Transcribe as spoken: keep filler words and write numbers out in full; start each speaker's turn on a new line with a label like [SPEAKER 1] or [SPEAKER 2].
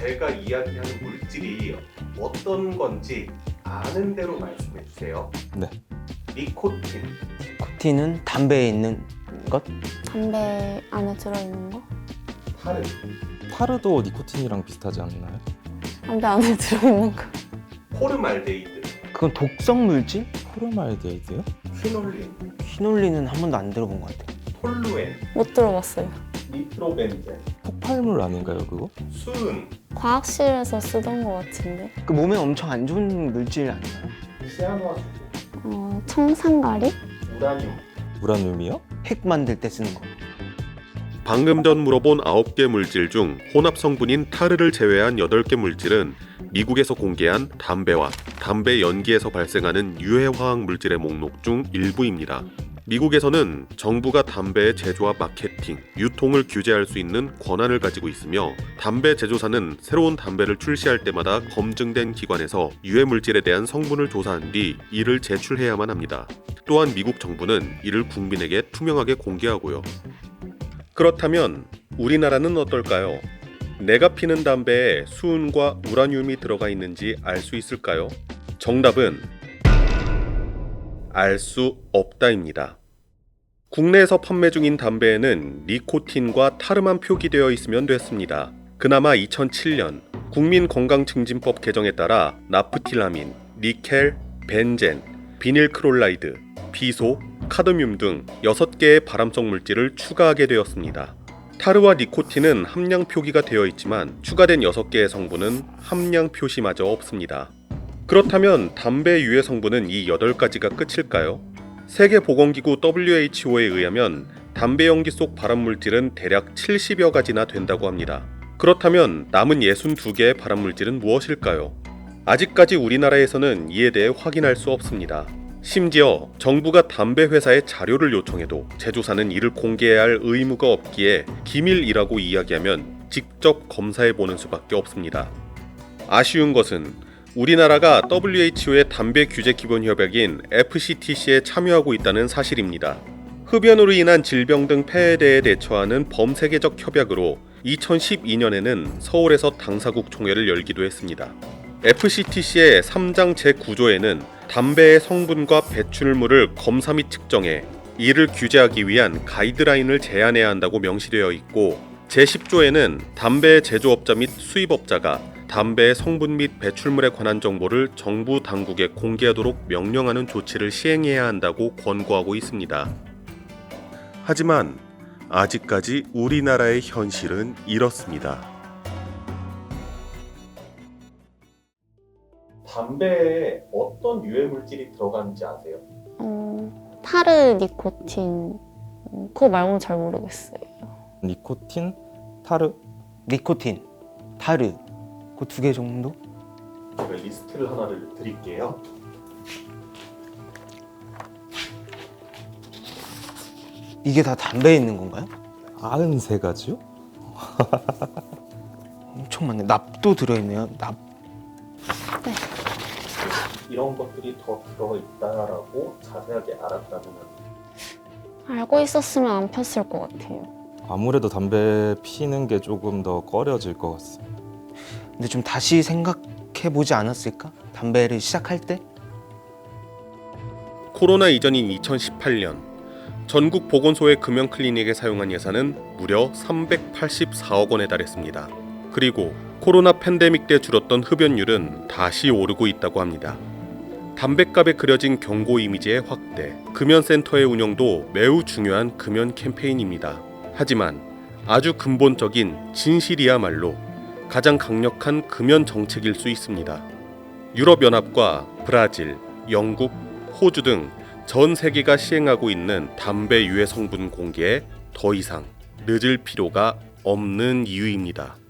[SPEAKER 1] 제가 이야기하는 물질이 어떤 건지 아는 대로 말씀해 주세요.
[SPEAKER 2] 네.
[SPEAKER 1] 니코틴.
[SPEAKER 3] 니코틴은 담배에 있는 것?
[SPEAKER 4] 담배 안에 들어있는 거?
[SPEAKER 1] 타르.
[SPEAKER 2] 타르도 니코틴이랑 비슷하지 않나요?
[SPEAKER 4] 담배 안에 들어있는 거?
[SPEAKER 1] 포르말데이드.
[SPEAKER 3] 그건 독성 물질?
[SPEAKER 2] 포르말데이드요?
[SPEAKER 1] 퀴놀린.
[SPEAKER 3] 퀴놀린은 한 번도 안 들어본 것 같아요.
[SPEAKER 1] 톨루엔.
[SPEAKER 4] 못 들어봤어요.
[SPEAKER 1] 니트로벤젠.
[SPEAKER 2] 폭발물 아닌가요 그거?
[SPEAKER 1] 수은.
[SPEAKER 4] 과학실에서 쓰던 거 같은데.
[SPEAKER 3] 그 몸에 엄청 안 좋은 물질 아닌가요?
[SPEAKER 1] 시아노아수소.
[SPEAKER 4] 어, 청산가리?
[SPEAKER 1] 우라늄.
[SPEAKER 2] 우라늄이요?
[SPEAKER 3] 핵 만들 때 쓰는 거.
[SPEAKER 5] 방금 전 물어본 아홉 개 물질 중 혼합 성분인 타르를 제외한 여덟 개 물질은 미국에서 공개한 담배와 담배 연기에서 발생하는 유해 화학 물질의 목록 중 일부입니다. 미국에서는 정부가 담배의 제조와 마케팅, 유통을 규제할 수 있는 권한을 가지고 있으며 담배 제조사는 새로운 담배를 출시할 때마다 검증된 기관에서 유해 물질에 대한 성분을 조사한 뒤 이를 제출해야만 합니다. 또한 미국 정부는 이를 국민에게 투명하게 공개하고요. 그렇다면 우리나라는 어떨까요? 내가 피는 담배에 수은과 우라늄이 들어가 있는지 알 수 있을까요? 정답은 알 수 없다입니다. 국내에서 판매 중인 담배에는 니코틴과 타르만 표기되어 있으면 됐습니다. 그나마 이천칠 년 국민건강증진법 개정에 따라 나프틸라민, 니켈, 벤젠, 비닐크롤라이드, 비소, 카드뮴 등 여섯 개의 발암성 물질을 추가하게 되었습니다. 타르와 니코틴은 함량 표기가 되어 있지만 추가된 여섯 개의 성분은 함량 표시마저 없습니다. 그렇다면 담배 유해 성분은 이 여덟 가지가 끝일까요? 세계보건기구 더블유에이치오에 의하면 담배 연기 속 발암물질은 대략 칠십여 가지나 된다고 합니다. 그렇다면 남은 육십이 개의 발암물질은 무엇일까요? 아직까지 우리나라에서는 이에 대해 확인할 수 없습니다. 심지어 정부가 담배 회사에 자료를 요청해도 제조사는 이를 공개해야 할 의무가 없기에 기밀이라고 이야기하면 직접 검사해보는 수밖에 없습니다. 아쉬운 것은 우리나라가 더블유에이치오의 담배 규제 기본 협약인 에프씨티씨에 참여하고 있다는 사실입니다. 흡연으로 인한 질병 등 폐해에 대해 대처하는 범세계적 협약으로 이천십이 년에는 서울에서 당사국 총회를 열기도 했습니다. 에프씨티씨의 삼 장 제구 조에는 담배의 성분과 배출물을 검사 및 측정해 이를 규제하기 위한 가이드라인을 제안해야 한다고 명시되어 있고 제십 조에는 담배 제조업자 및 수입업자가 담배의 성분 및 배출물에 관한 정보를 정부 당국에 공개하도록 명령하는 조치를 시행해야 한다고 권고하고 있습니다. 하지만 아직까지 우리나라의 현실은 이렇습니다.
[SPEAKER 1] 담배에 어떤 유해 물질이 들어가는지 아세요?
[SPEAKER 4] 어, 타르, 니코틴. 어, 그거 말고는 잘 모르겠어요.
[SPEAKER 2] 니코틴, 타르.
[SPEAKER 3] 니코틴, 타르. 그 두 개 정도?
[SPEAKER 1] 제가 리스트를 하나를 드릴게요.
[SPEAKER 3] 이게 다 담배에 있는 건가요?
[SPEAKER 2] 구십삼 가지요?
[SPEAKER 3] 엄청 많네. 납도 들어있네요. 납.
[SPEAKER 1] 이런 것들이 더 들어가 있다라고 자세하게 알았다면
[SPEAKER 4] 알고 있었으면 안 폈을 것 같아요.
[SPEAKER 2] 아무래도 담배 피는 게 조금 더 꺼려질 것 같습니다.
[SPEAKER 3] 근데 좀 다시 생각해보지 않았을까? 담배를 시작할 때?
[SPEAKER 5] 코로나 이전인 이천십팔 년 전국 보건소의 금연 클리닉에 사용한 예산은 무려 삼백팔십사억 원에 달했습니다. 그리고 코로나 팬데믹 때 줄었던 흡연율은 다시 오르고 있다고 합니다. 담뱃갑에 그려진 경고 이미지의 확대, 금연센터의 운영도 매우 중요한 금연 캠페인입니다. 하지만 아주 근본적인 진실이야말로 가장 강력한 금연 정책일 수 있습니다. 유럽연합과 브라질, 영국, 호주 등 전 세계가 시행하고 있는 담배 유해 성분 공개에 더 이상 늦을 필요가 없는 이유입니다.